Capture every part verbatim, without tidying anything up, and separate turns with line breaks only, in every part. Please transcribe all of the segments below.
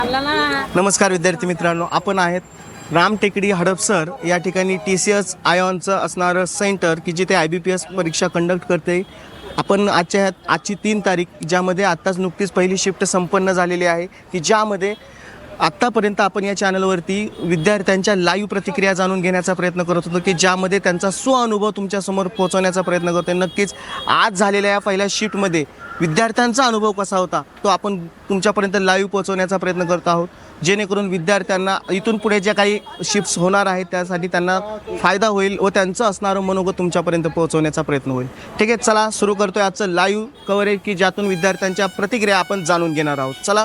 नमस्कार विद्यार्थी मित्रांनो, आपण आहेत रामटेकडी हडपसर या ठिकाणी टी सी एस आयॉनचं असणारं सेंटर की जिथे आय बी पी एस परीक्षा कंडक्ट करते. आपण आजच्या आजची तीन तारीख ज्यामध्ये आत्ताच नुकतीच पहिली शिफ्ट संपन्न झालेली आहे की ज्यामध्ये आत्तापर्यंत आपण या चॅनलवरती विद्यार्थ्यांच्या लाईव्ह प्रतिक्रिया जाणून घेण्याचा प्रयत्न करत होतो की ज्यामध्ये त्यांचा स्वअनुभव तुमच्यासमोर पोहोचवण्याचा प्रयत्न करतो. नक्कीच आज झालेल्या या पहिल्या शिफ्टमध्ये विद्यार्थ्यांचा अनुभव कसा होता तो आपण तुमच्यापर्यंत लाईव्ह पोहोचवण्याचा प्रयत्न करत आहोत, जेणेकरून विद्यार्थ्यांना इथून पुढे ज्या काही शिफ्ट्स होणार आहेत त्यासाठी त्यांना फायदा होईल व त्यांचं असणारं मनोगत तुमच्यापर्यंत पोहोचवण्याचा प्रयत्न होईल. ठीक आहे, चला सुरू करतोय आजचं लाईव्ह कव्हरेज की ज्यातून विद्यार्थ्यांच्या प्रतिक्रिया आपण जाणून घेणार आहोत. चला,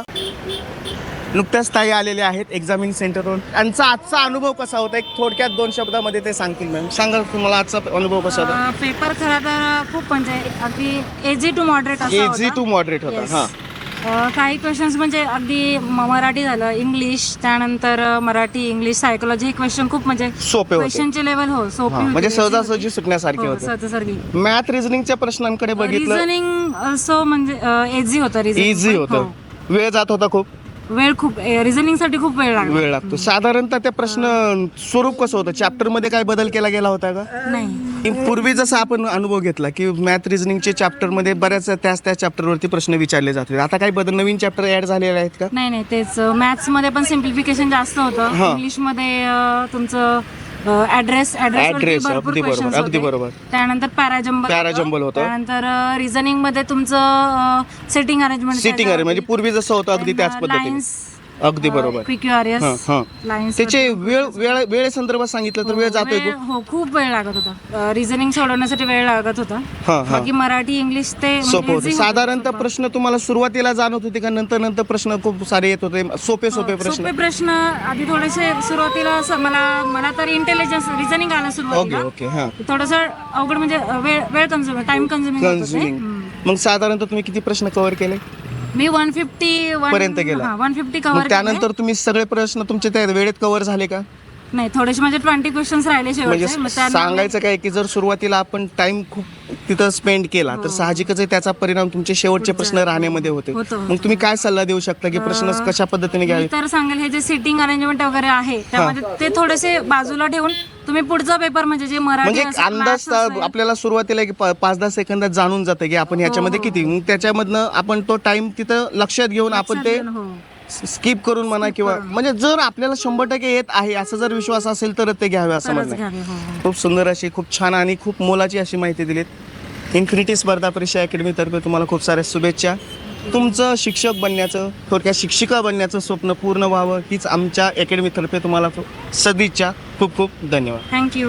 नुकत्याच ताई आलेले आहेत एक्झामिन सेंटरवरून. त्यांचा आजचा अनुभव कसा होता एक थोडक्यात दोन शब्दामध्ये ते सांगतील. मॅम सांगा तुम्हाला आजचा अनुभव कसा होता.
पेपर खरं तर खूप म्हणजे अगदी एजी टू मॉडरेट असा होता.
एजी टू मॉडरेट होता. हां,
काही क्वेश्चन्स म्हणजे अगदी मराठी झालं, इंग्लिश, त्यानंतर मराठी इंग्लिश सायकोलॉजी हे क्वेश्चन खूप म्हणजे
सोपे होते.
क्वेश्चनचे लेवल हो सोपे
म्हणजे सहजासहजी सुटण्यासारखे होते.
सहजासहजी.
मॅथ रिझनिंगच्या प्रश्नांकडे बघितलं,
रिझनिंग ऑल्सो म्हणजे एजी होतं. रिझनिंग
इझी होतं. वेळ जात होता खूप.
वेळ खूप रिझनिंग साठी खूप वेळ लागला.
वेळ लागतो. साधारणतः ते प्रश्न स्वरूप कसं होतं, चॅप्टर मध्ये काय बदल केला गेला होता का?
नाही.
पूर्वी जसं आपण अनुभव घेतला की मॅथ रिझनिंगचे चॅप्टर मध्ये बऱ्याच त्याच त्या चॅप्टरवरती प्रश्न विचारले जाते. आता काही बदल नवीन चॅप्टर ऍड झालेले आहेत का?
नाही नाही तेच मॅथ्स मध्ये पण सिम्प्लिफिकेशन जास्त होतं. इंग्लिश मध्ये अं, तुमचं ऍड्रेस
ऍड्रेस अगदी बरोबर अगदी बरोबर.
त्यानंतर पॅराजंबल
पॅराजंबल होतं.
त्यानंतर रिझनिंग मध्ये तुमचं सिटिंग अरेंजमेंट
सिटिंग अरे म्हणजे पूर्वी जसं होतं अगदी त्याच पद्धतीने. अगदी बरोबर.
लाईन्स
त्याचे वेळ वेळ वेळे संदर्भात सांगितलं तर वेळ जातोय खूप.
हो खूप वेळ लागत होता. रिझनिंग सोडवण्यासाठी वेळ लागत होता. बाकी मराठी इंग्लिश ते
सोपं होतं. साधारणतः प्रश्न तुम्हाला सुरुवातीला जाणवत होते का नंतर नंतर प्रश्न खूप सारे येत होते सोपे सोपे प्रश्न?
सोपे प्रश्न आधी थोडेसे सुरुवातीला असं मला मला तर इंटेलिजन्स रिझनिंग आलं सुरुवातीला.
Okay okay. हां,
थोडंसं अवघड म्हणजे वेळ वेळ कन्झ्युम टाइम कन्झ्युमिंग.
मग साधारणतः तुम्ही किती प्रश्न कव्हर केले?
मी वन फिफ्टी
पर्यंत गेला.
One fifty cover.
त्यानंतर तुम्ही सगळे प्रश्न तुमचे त्या वेळेत कव्हर झाले का?
नाही, थोडेसे म्हणजे ट्वेंटी क्वेश्चन्स राहिले शेवटचे.
म्हणजे सांगायचं काय की जर सुरुवातीला आपण टाइम खूप तिथं स्पेंड केला तर साहजिकच आहे त्याचा परिणाम तुमचे शेवटचे प्रश्न राहण्यामध्ये होते. मग तुम्ही काय सल्ला देऊ शकता की प्रश्न कशा पद्धतीने घ्यावे?
तर सांगेल हे जे सिटिंग अरेंजमेंट वगैरे आहे त्यामध्ये ते थोडेसे बाजूला ठेवून तुम्ही पुढचा पेपर म्हणजे जे मराठी
म्हणजे अंदाज आपल्याला सुरुवातीला की पाच दहा सेकंदात जाणून जातं की आपण ह्याच्यामध्ये किती, मग त्याच्यामधनं आपण तो टाइम तिथं लक्षात घेऊन आपण ते स्किप करून म्हणा किंवा म्हणजे जर आपल्याला शंभर टक्के येत आहे असं जर विश्वास असेल तर ते घ्यावे असं म्हणणं. खूप सुंदर अशी खूप छान आणि खूप मोलाची अशी माहिती दिलीत. इन्फिनिटी स्पर्धा परीक्षा अकॅडमीतर्फे तुम्हाला खूप साऱ्या शुभेच्छा. तुमचं शिक्षक बनण्याचं थोडक्यात शिक्षिका बनण्याचं स्वप्न पूर्ण व्हावं हीच आमच्या अकॅडमीतर्फे तुम्हाला सदिच्छा. खूप खूप धन्यवाद.
थँक्यू.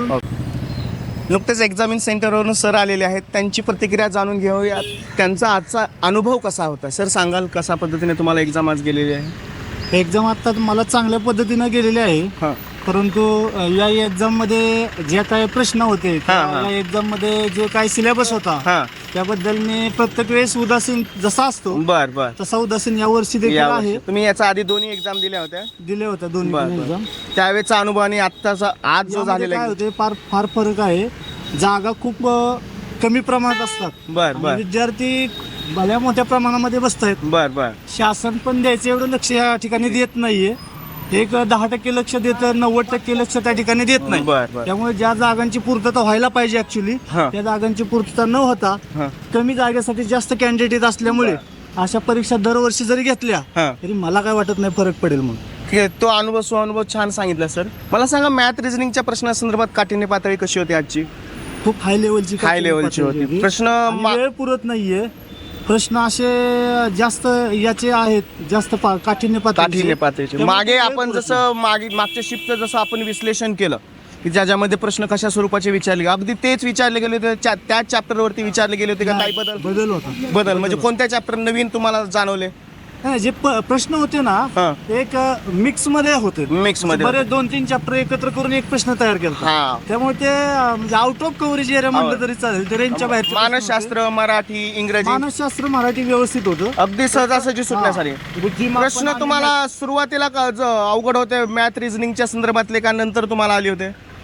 नुकतेच एक्झामिन सेंटरवरून सर आलेले आहेत, त्यांची प्रतिक्रिया जाणून घेऊयात. त्यांचा आजचा अनुभव कसा होता सर सांगाल? कशा पद्धतीने तुम्हाला एक्झाम आज गेलेली आहे?
एक्झाम आता मला चांगल्या पद्धतीनं गेलेली आहे.
हां,
परंतु या एक्झाममध्ये जे काही प्रश्न होते या एक्झाममध्ये जे काही सिलेबस होता
हां,
त्याबद्दल मी प्रत्येक वेळेस उदासीन जसा असतो
बर बर
तसा उदासीन या वर्षी देखील
यावर्षी.
आहे.
तुम्ही याचा आधी दोन्ही एक्झाम दिल्या होत्या?
दिले होते दोन्ही
बर,
पण
बर.
एक्झाम.
त्यावेळेचा अनुभव आणि आत्ताचा आज जो
यामध्ये
झालेला
काय
आहे?
होते फार फार फरक आहे. जागा खूप अ, कमी प्रमाणात असतात.
बर
आणि
बर
विद्यार्थी भल्या मोठ्या प्रमाणामध्ये बसत आहेत.
बर बर
शासन पण द्यायचं एवढं लक्ष या ठिकाणी देत नाहीये. एक दहा टक्के लक्ष देतं, नव्वद टक्के लक्ष त्या ठिकाणी देत नाही.
बर बर
त्यामुळे ज्या जागांची पूर्तता व्हायला पाहिजे ऍक्च्युली
हा.
त्या जागांची पूर्तता न होता
हां,
कमी जागेसाठी जास्त कॅन्डिडेट असल्यामुळे अशा परीक्षा दरवर्षी जरी घेतल्या
हां.
तरी मला काय वाटत नाही फरक पडेल म्हणून.
ठीक आहे, तो अनुभव स्वानुभव छान सांगितला सर. मला सांगा मॅथ रिझनिंगच्या प्रश्नासंदर्भात काठिण्य पातळी कशी होती आजची?
खूप हाय लेवलची
हाय लेवलची होती. प्रश्न
आणि
मा-
वेळ पुरत नाहीये. प्रश्न असे जास्त याचे आहेत, जास्त पा- काठिण्य
काठिण्य
पातळीचे.
पातळीचे.
त्यामुळे
मागे
वेळ
आपण
पुरत
जसं मागे मागच्या शिफ्टचं जसं आपण विश्लेषण केलं की ज्याच्यामध्ये प्रश्न कशा स्वरूपाचे विचारले अगदी तेच विचारले गेले होते च्या- त्याच चॅप्टरवरती विचारले गेले होते का? काही बदल
बदल होता.
बदल म्हणजे कोणत्या चॅप्टर नवीन तुम्हाला जाणवले?
नाही, जे प- प्रश्न होते ना
हां,
एक मिक्स मध्ये होते.
मिक्स मध्ये
बरेच दोन तीन चॅप्टर एकत्र करून एक प्रश्न तयार केला.
हा.
त्यामुळे ते अं, म्हणजे आउट ऑफ कव्हरेज एरिया म्हणलं तरी चालेल. ते रेंजच्या बाहेर
मानसशास्त्र, मराठी, इंग्रजी
मानसशास्त्र मराठी व्यवस्थित होतं.
अगदी सहजासहजी सुटण्यासाठी.
बुद्धिमत्ता
प्रश्न
आणि
तुम्हाला सुरुवातीला का ज- अवघड होते मॅथ रिझनिंगच्या संदर्भातले का नंतर तुम्हाला आले होते?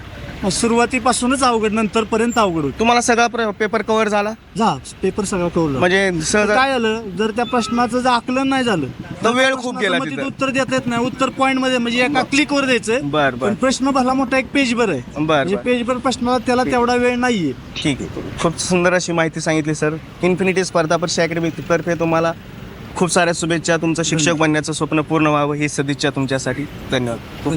सुरुवातीपासूनच अवघड, नंतर पर्यंत अवघड होतं.
तुम्हाला सगळा पेपर कव्हर झाला
जा पेपर सगळं कळलं.
म्हणजे सहज
काय झालं, जर त्या प्रश्नाचं जर आकलन नाही झालं
तर वेळ खूप गेला
प्रश्नाचं मग
तिथं.
तिथं उत्तर देता येत नाही. उत्तर पॉईंट मध्ये म्हणजे एका क्लिक वर द्यायचं.
बर बर
पण प्रश्न भला मोठा एक पेजभर आहे.
बर
म्हणजे
बर.
पेजभर प्रश्नाला त्याला तेवढा वेळ नाहीये.
ठीक आहे, खूप सुंदर अशी माहिती सांगितली सर. इन्फिनिटी स्पर्धा परीक्षा अकॅडमी तर्फे तुम्हाला खूप साऱ्या शुभेच्छा. तुमचं शिक्षक बनण्याचं स्वप्न पूर्ण व्हावं ही सदिच्छा तुमच्यासाठी. धन्यवाद.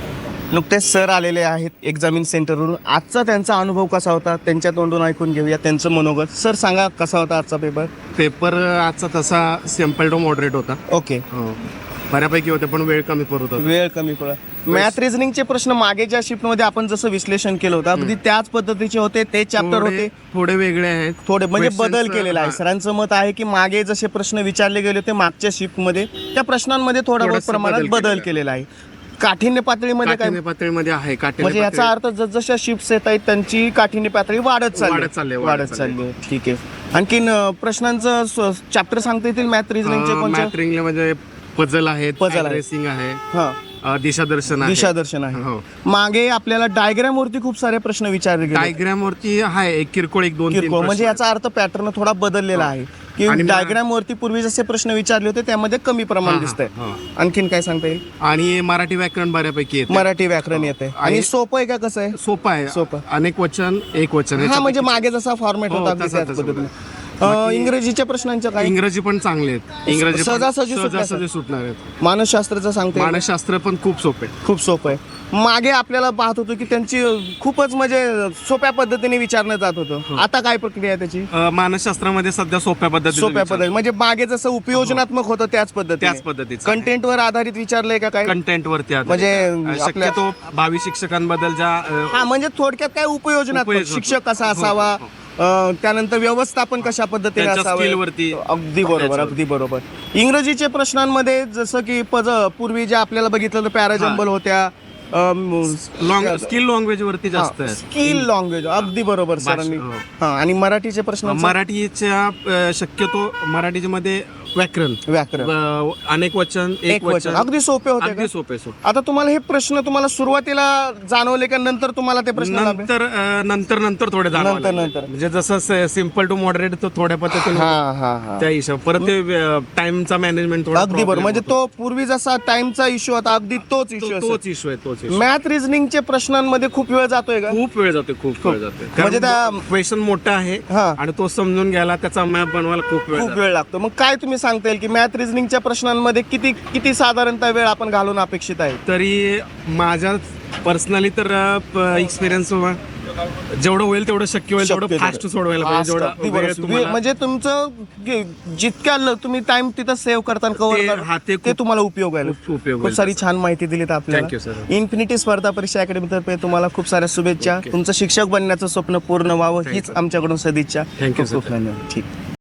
नुकतेच सर आलेले आहेत एक्झामिन सेंटरवरून. आजचा त्यांचा अनुभव कसा होता त्यांच्या तोंडून ऐकून घेऊया त्यांचं मनोगत. सर सांगा कसा होता आजचा पेपर?
पेपर आजचा तसा सिम्पल टू मॉडरेट होता.
ओके,
बऱ्यापैकी होते पण वेळ कमी पडत होता.
वेळ कमी पडला. मॅथ रिझनिंगचे प्रश्न मागे ज्या शिफ्टमध्ये आपण जसं विश्लेषण केलं होतं अगदी त्याच पद्धतीचे होते. ते चॅप्टर
थोडे-
होते
थोडे वेगळे आहेत.
थोडे म्हणजे
Questions,
बदल केलेला आहे.
हा.
सरांचं मत आहे की मागे जसे प्रश्न विचारले गेले होते मागच्या शिफ्टमध्ये त्या प्रश्नांमध्ये थोडा बहुत
थोडासा
प्रमाणात
बदल
बदल
केलेला
केलेला आहे. काठिण्य पातळीमध्ये काय
काठिण्य पातळीमध्ये आहे. काठिण्य
म्हणजे याचा
पातळी-
अर्थ जसजशा शिफ्ट येत आहेत त्यांची काठिण्य पातळी वाढत चालली
वाढत चालली आहे,
वाढत
वाढत
चालली आहे. ठीक आहे. आणखीन अं, प्रश्नांचं चॅप्टर सांगता येतील मॅथ रिझनिंगचे
अं,
कोणते?
मॅथ रिंगला म्हणजे पझल आहेत,
Puzzle आहे.
रेसिंग आहे,
हा,
अं, दिशादर्शन आहे.
दिशादर्शन आहे.
हो.
मागे आपल्याला डायग्राम वरती खूप सारे प्रश्न विचारले गेले.
डायग्राम वरती आहे एक किरकोळ एक दोन तीन
किरकोळ म्हणजे
प्रश्न.
याचा अर्थ पॅटर्न थोडा बदललेला आहे की
आणि मा-
डायग्राम वरती पूर्वी जसे प्रश्न विचारले होते त्यामध्ये कमी प्रमाण
हा,
दिसतंय.
हा,
आणखीन काय सांगता येईल?
आणि मराठी व्याकरण बऱ्यापैकी येते.
मराठी व्याकरण येते आणि
आणि-
सोपं आहे का कसं आहे?
सोपं आहे.
सोपं.
अनेक वचन एक वचन
हा
याच्यापैकी-
म्हणजे मागे जसा फॉर्मॅट
हो,
होता अगदी
तसा-
त्याच
तसा.
पद्धतीने. अं, इंग्रजीच्या प्रश्नांचं काय?
इंग्रजी पण चांगले आहेत. इंग्रजी पण
सहजासहजी सुटण्यासारखं.
सहजासहजी सुटणार आहेत.
मानसशास्त्राचं सांगते
मानसशास्त्र पण खूप सोपे.
खूप सोपं आहे. मागे आपल्याला पाहत होतो की त्यांची खूपच म्हणजे सोप्या पद्धतीने विचारलं जात होतं. आता काय प्रक्रिया आहे त्याची?
अ, मानसशास्त्रामध्ये सध्या सोप्या पद्धतीने
सोप्या
विचार-
पद्धती म्हणजे मागे जसं उपयोजनात्मक होतं त्याच पद्धतीने
त्याच पद्धतीचं आहे.
कंटेंटवर आधारित विचारलंय का काय?
कंटेंट वरती आधारित.
म्हणजे
अ,
आपल्या-
शक्यतो भावी शिक्षकांबद्दल ज्या अ,
हा म्हणजे थोडक्यात काय उपयोजनात्मक
उपयोजनात्मक.
शिक्षक कसा
हो,
असावा,
हो.
अं, त्यानंतर व्यवस्थापन कशा पद्धतीने
त्यांच्या
असावे.
skill वरती.
अगदी बरोबर
त्याच्यावर.
अगदी बरोबर. इंग्रजीच्या प्रश्नांमध्ये जसं की पज पूर्वी जे आपल्याला बघितलं तर पॅराजंबल होत्या,
लॉंग स्किल लँग्वेज वरती जास्त आहे.
स्किल लँग्वेज अगदी बरोबर सरांनी.
हो.
हा आणि मराठीचे प्रश्न
मराठीच्या अ, शक्यतो मराठीच्या मध्ये व्याकरण
व्याकरण
अ, अनेक वचन
एक वचन अगदी सोपे होते का?
अगदी सोपे सोपे.
आता तुम्हाला हे प्रश्न तुम्हाला सुरुवातीला जाणवले का नंतर तुम्हाला ते प्रश्न लागले?
नंतर अ, नंतर नंतर थोडे जाणवायला
नंतर-
लागले.
नंतर.
म्हणजे जसं सिम्पल टू मॉडरेट तो थोड्या पद्धतीने
हा हा हा
त्या हिशोब परत ते टाइमचा मॅनेजमेंट थोडा
अगदी बरोबर.
problem
म्हणजे
होतो.
तो पूर्वी जसा टाइमचा इश्यू होता अगदी तोच
तो-
इश्यू
तोच इश्यू आहे तोच issue.
मॅथ रिझनिंगच्या प्रश्नांमध्ये खूप वेळ जातोय का?
खूप वेळ जाते खूप वेळ जाते
म्हणजे त्या-
क्वेश्चन मोठा आहे
हा.
आणि तो समजून घ्यायला त्याचा मॅप बनवायला खूप वेळ
खूप
जातो.
वेळ लागतो. मग काय तुम्ही सांगता येईल की मॅथ रिझनिंगच्या प्रश्नांमध्ये किती किती साधारणतः वेळ आपण घालून अपेक्षित आहे?
तरी माझ्या पर्सनली तर एक्सपिरियन्स जेवढं होईल तेवढं शक्य होईल तेवढं
शक्य
फास्ट
तेवढं.
सोडवायला पाहिजे.
Fast,
जेवढा
अगदी
वेळ
बरोबर.
तुम्हाला-
म्हणजे तुमचं गे- जितक्या ल- तुम्ही टाइम तिथं सेव्ह करता
ते-
कव्हर
हा, ते
ते
खूप-
तुम्हाला उपयोग आहे.
खूप उपयोग
खूप
होईल
सारी
त्याचा.
छान माहिती दिलीत
Thank you,
आपल्याला.
sir.
इन्फिनिटी स्पर्धा परीक्षा अकॅडमी तर्फे तुम्हाला खूप साऱ्या शुभेच्छा.
Okay.
तुमचं शिक्षक बनण्याचं स्वप्न पूर्ण व्हावं
Thank
हीच
you.
आमच्याकडून सदिच्छा.
Thank you,
खूप खूप
sir.
धन्यवाद. ठीक.